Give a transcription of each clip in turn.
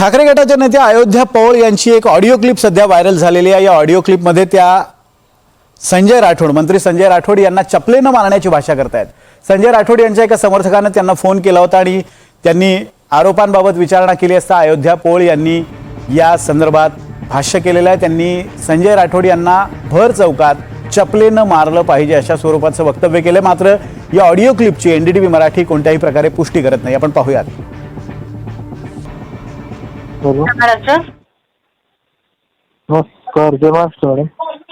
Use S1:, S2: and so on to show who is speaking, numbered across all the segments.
S1: ठाकरे गटाच्या नेत्या अयोध्या पौळ यांची एक ऑडिओ क्लिप सध्या व्हायरल झालेली आहे। या ऑडिओ क्लिपमध्ये त्या संजय राठोड, मंत्री संजय राठोड यांना चपलेनं मारण्याची भाषा करतायत। संजय राठोड यांच्या एका समर्थकाने त्यांना फोन केला होता आणि त्यांनी आरोपांबाबत विचारणा केली असता अयोध्या पौळ यांनी या संदर्भात भाष्य केलेलं आहे। त्यांनी संजय राठोड यांना भर चौकात चपलेनं मारलं पाहिजे अशा स्वरूपाचं वक्तव्य केलं। मात्र या ऑडिओ क्लिपची एनडीटीव्ही मराठी कोणत्याही प्रकारे पुष्टी करत नाही। आपण पाहूयात।
S2: नमस्कार, जय महाराष्ट्र मॅडम।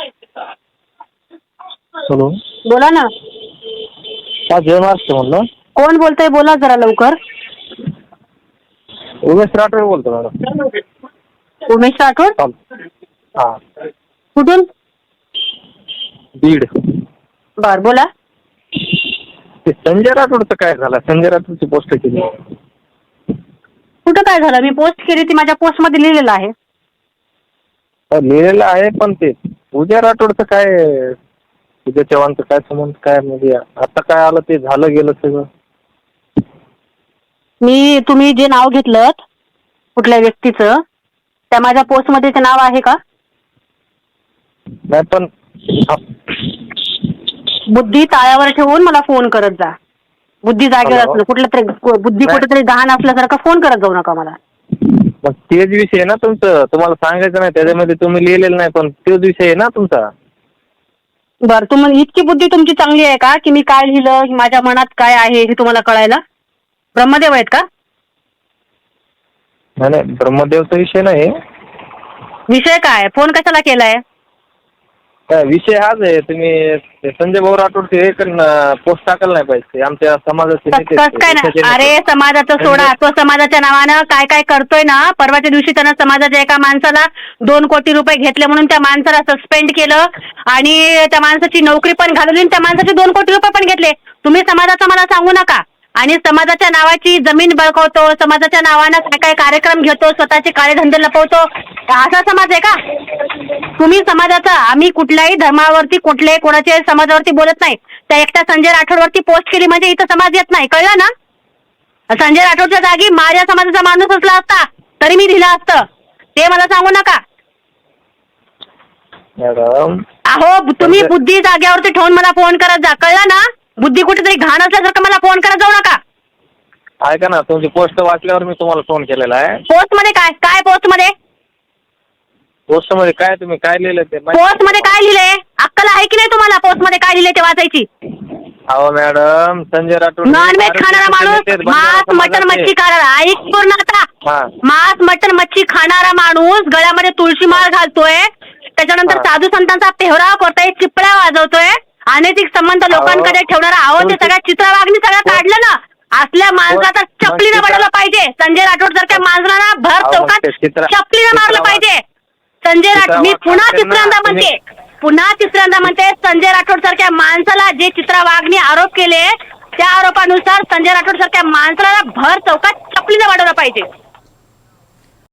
S2: हॅलो,
S3: बोला ना।
S2: हा, जय महाराष्ट्र म्हणलं।
S3: कोण बोलतंय? बोला जरा लवकर।
S2: उमेश राठोड बोलतो मॅडम।
S3: उमेश राठोड?
S2: हा,
S3: कुठून?
S2: बीड।
S3: बर, बोला।
S2: ते संजय राठोडचं काय झालं? संजय राठोडची पोस्ट केली।
S3: कुठं काय झालं? मी पोस्ट केली, ती माझ्या पोस्ट मध्ये लिहिलेलं आहे।
S2: लिहिलेलं आहे, पण ते पूजा राठोडचं काय, पूजा चव्हाणचं काय संबंध? काय म्हणजे आता काय आलं, ते झालं गेलं सगळं।
S3: तुम्ही जे नाव घेतलं कुठल्या व्यक्तीचं, त्या माझ्या पोस्ट मध्ये ते नाव आहे का?
S2: नाही, पण
S3: बुद्धी ताळ्यावर ठेवून मला फोन करत जा। बुद्धी जागेवर असलं, कुठलं तरी बुद्धी कुठेतरी गहाण असल्यासारखं फोन करत जाऊ नका मला।
S2: मग तेच विषय आहे ना तुमचं, तुम्हाला सांगायचं नाही, त्याच्यामध्ये तुम्ही लिहिलेलं नाही, पण तोच विषय आहे ना तुमचा।
S3: बरं, तुम्हाला इतकी बुद्धी तुमची चांगली आहे का की मी काय लिहिलं, माझ्या मनात काय आहे हे तुम्हाला कळायला? ब्रह्मदेव आहेत का?
S2: नाही, ब्रह्मदेवचा विषय नाही।
S3: विषय काय? फोन कशाला केलाय?
S2: विषय हाच आहे, तुम्ही संजय भाऊ राठोडचे हे पोस्ट टाकायला नाही पाहिजे, आमच्या समाजाचे नेते
S3: कसं काय ना? अरे, समाजाचं सोडा, तो समाजाच्या नावानं काय काय करतोय ना। परवाच्या दिवशी त्यानं समाजाच्या एका माणसाला 2 कोटी रुपये घेतले म्हणून त्या माणसाला सस्पेंड केलं आणि त्या माणसाची नोकरी पण घालवली आणि त्या माणसाचे 2 कोटी रुपये पण घेतले। तुम्ही समाजाचं मला सांगू नका। आणि समाजाच्या नावाची जमीन बळकावतो, समाजाच्या नावानं काय काय कार्यक्रम घेतो, स्वतःचे काळे धंदे लपवतो, असा समाज आहे का? तुम्ही समाजाचा, आम्ही कुठल्याही धर्मावरती, कुठल्याही कोणाच्या समाजावरती बोलत नाही। त्या एकट्या संजय राठोडवरती पोस्ट केली म्हणजे इथं समाज येत नाही, कळलं ना? संजय राठोडच्या जागी माझ्या समाजाचा माणूस असला असता तरी मी दिलं असतं, ते मला सांगू नका।
S2: मॅडम,
S3: अहो, तुम्ही बुद्धी जाग्यावरती ठेवून मला फोन करत जा, कळलं ना? बुद्धी कुठेतरी घाण असल्यासारखं मला फोन करत जाऊ नका।
S2: ऐका ना, तुमची पोस्ट वाचल्यावर मी तुम्हाला फोन केलेला आहे।
S3: पोस्ट मध्ये काय काय? पोस्ट मध्ये
S2: काय तुम्ही काय लिहिलं ते?
S3: पोस्ट मध्ये काय लिहिलंय? अक्कल आहे की नाही तुम्हाला? पोस्ट मध्ये काय लिहिलंय ते वाचायची?
S2: अहो मॅडम, संजय राठोड
S3: नॉनव्हेज खाणारा माणूस, मांस मटन मच्छी खाणारा, ऐक पूर्ण आता। मांस मटन मच्छी खाणारा माणूस गळ्यामध्ये तुळशी माळ घालतोय, त्याच्यानंतर साधू संतांचा पेहराव करतोय, चिपळ्या वाजवतोय, अनैतिक संबंध लोकांकडे ठेवणारा, अहो ते सगळ्या चित्रवागणी सगळं काढलं ना। असल्या माणसाचा चपलीनं बनवलं पाहिजे। संजय राठोड सारख्या माणसाला भर चौकात चपलीनं मारलं पाहिजे। संजय राठोड, मी पुन्हा तिसऱ्यांदा म्हणते, संजय राठोड सारख्या माणसाला जे चित्रवागणी आरोप केले, त्या आरोपानुसार संजय राठोड सारख्या माणसाला भर चौकात चपलीनं वाढवलं पाहिजे।